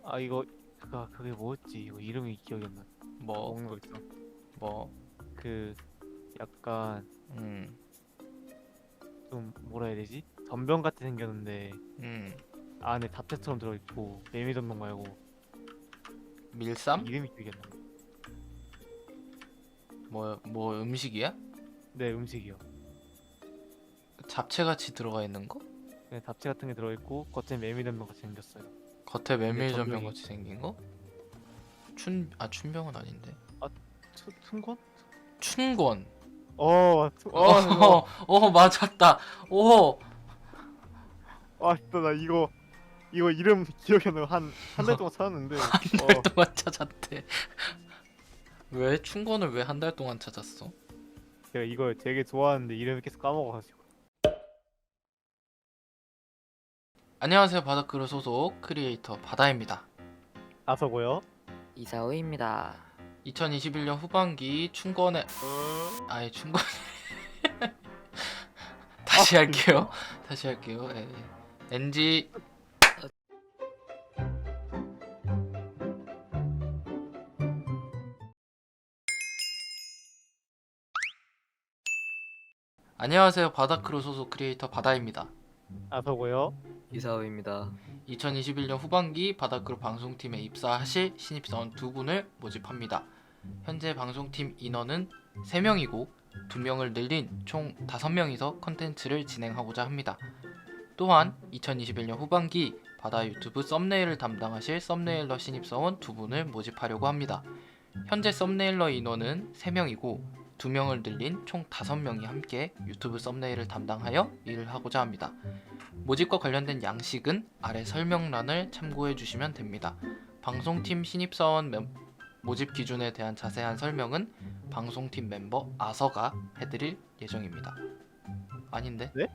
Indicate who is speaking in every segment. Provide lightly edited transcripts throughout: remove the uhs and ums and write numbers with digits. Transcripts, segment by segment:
Speaker 1: 아 이거 그게 뭐였지? 이거 이름이 기억이 안 나.
Speaker 2: 뭐,
Speaker 1: 먹는 거 있어.
Speaker 2: 뭐,
Speaker 1: 그 약간
Speaker 2: 음,
Speaker 1: 좀 뭐라 해야 되지? 전병 같이 생겼는데
Speaker 2: 음,
Speaker 1: 안에 잡채처럼 들어있고 메밀전병 말고
Speaker 2: 밀쌈?
Speaker 1: 이름이 기억이 안 나.
Speaker 2: 뭐 음식이야?
Speaker 1: 네, 음식이요.
Speaker 2: 잡채같이 들어가 있는 거?
Speaker 1: 네, 잡채 같은 게 들어있고 겉에 메밀전병 같이 생겼어요.
Speaker 2: 겉에
Speaker 1: 근데
Speaker 2: 메밀전병
Speaker 1: 전병이
Speaker 2: 같이 생긴 거? 춘병은 아닌데.
Speaker 1: 아 춘권?
Speaker 2: 춘권.
Speaker 1: 이거
Speaker 2: 맞았다. 오,
Speaker 1: 진짜 나 이거 이름 기억이 안 나. 한 달 동안 찾았는데
Speaker 2: 한 달 동안 찾았대. 왜 춘권을 왜 한 달 동안 찾았어?
Speaker 1: 제가 이걸 되게 좋아하는데 이름을 계속 까먹어가지고.
Speaker 2: 안녕하세요, 바다크루 소속 크리에이터 바다입니다.
Speaker 1: 아서고요.
Speaker 3: 이사오입니다.
Speaker 2: 2021년 후반기 춘권의 춘권 다시 할게요. 다시 할게요. 예. NG. 안녕하세요, 바다크루 소속 크리에이터 바다입니다.
Speaker 1: 아서고요.
Speaker 3: 이사오입니다.
Speaker 2: 2021년 후반기 바다크루 방송팀에 입사하실 신입사원 2분을 모집합니다. 현재 방송팀 인원은 3명이고 2명을 늘린 총 5명이서 컨텐츠를 진행하고자 합니다. 또한 2021년 후반기 바다 유튜브 썸네일을 담당하실 썸네일러 신입사원 2분을 모집하려고 합니다. 현재 썸네일러 인원은 3명이고 2명을 늘린 총 5명이 함께 유튜브 썸네일을 담당하여 일을 하고자 합니다. 모집과 관련된 양식은 아래 설명란을 참고해 주시면 됩니다. 방송팀 신입사원 모집 기준에 대한 자세한 설명은 방송팀 멤버 아서가 해드릴 예정입니다. 아닌데?
Speaker 1: 네?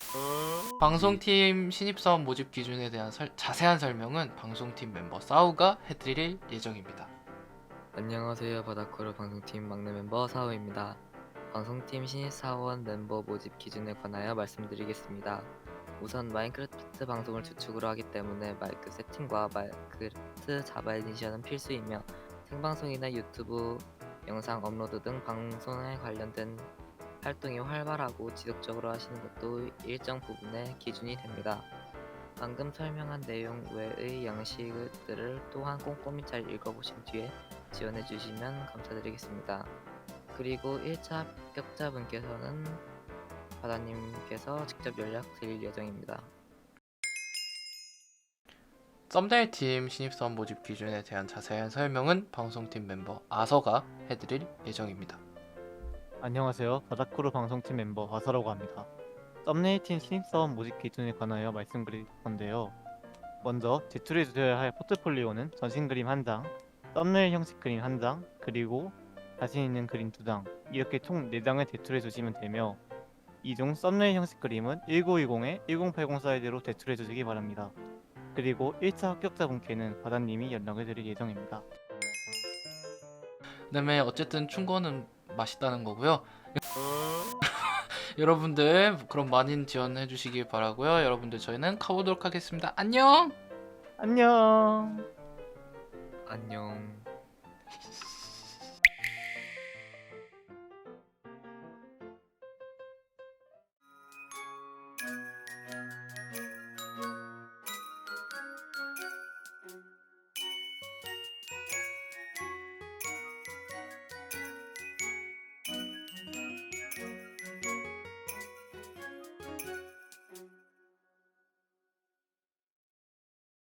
Speaker 2: 방송팀 신입사원 모집 기준에 대한 자세한 설명은 방송팀 멤버 싸우가 해드릴 예정입니다.
Speaker 3: 안녕하세요. 바다크루 방송팀 막내 멤버 사오입니다. 방송팀 신입사원 멤버 모집 기준에 관하여 말씀드리겠습니다. 우선 마인크래프트 방송을 주축으로 하기 때문에 마이크 세팅과 마인크래프트 자바 에디션은 필수이며 생방송이나 유튜브 영상 업로드 등 방송에 관련된 활동이 활발하고 지속적으로 하시는 것도 일정 부분의 기준이 됩니다. 방금 설명한 내용 외의 양식들을 또한 꼼꼼히 잘 읽어보신 뒤에 지원해주시면 감사드리겠습니다. 그리고 1차 합격자분께서는 바다님께서 직접 연락 드릴 예정입니다.
Speaker 2: 썸네일 팀 신입사원 모집 기준에 대한 자세한 설명은 방송팀 멤버 아서가 해드릴 예정입니다.
Speaker 1: 안녕하세요. 바다크루 방송팀 멤버 아서라고 합니다. 썸네일팀 신입사원 모집 기준에 관하여 말씀드릴 건데요. 먼저 제출해 주셔야 할 포트폴리오는 전신 그림 1장, 썸네일 형식 그림 1장, 그리고 자신 있는 그림 2장, 이렇게 총 4장을 제출해 주시면 되며, 이 중 썸네일 형식 그림은 1920에 1080 사이즈로 제출해 주시기 바랍니다. 그리고 1차 합격자분께는 바다님이 연락을 드릴 예정입니다.
Speaker 2: 그다음에 어쨌든 춘권은 맛있다는 거고요. 여러분들 그럼 많은 지원해 주시길 바라고요. 여러분들 저희는 가보도록 하겠습니다. 안녕.
Speaker 1: 안녕.
Speaker 3: 안녕.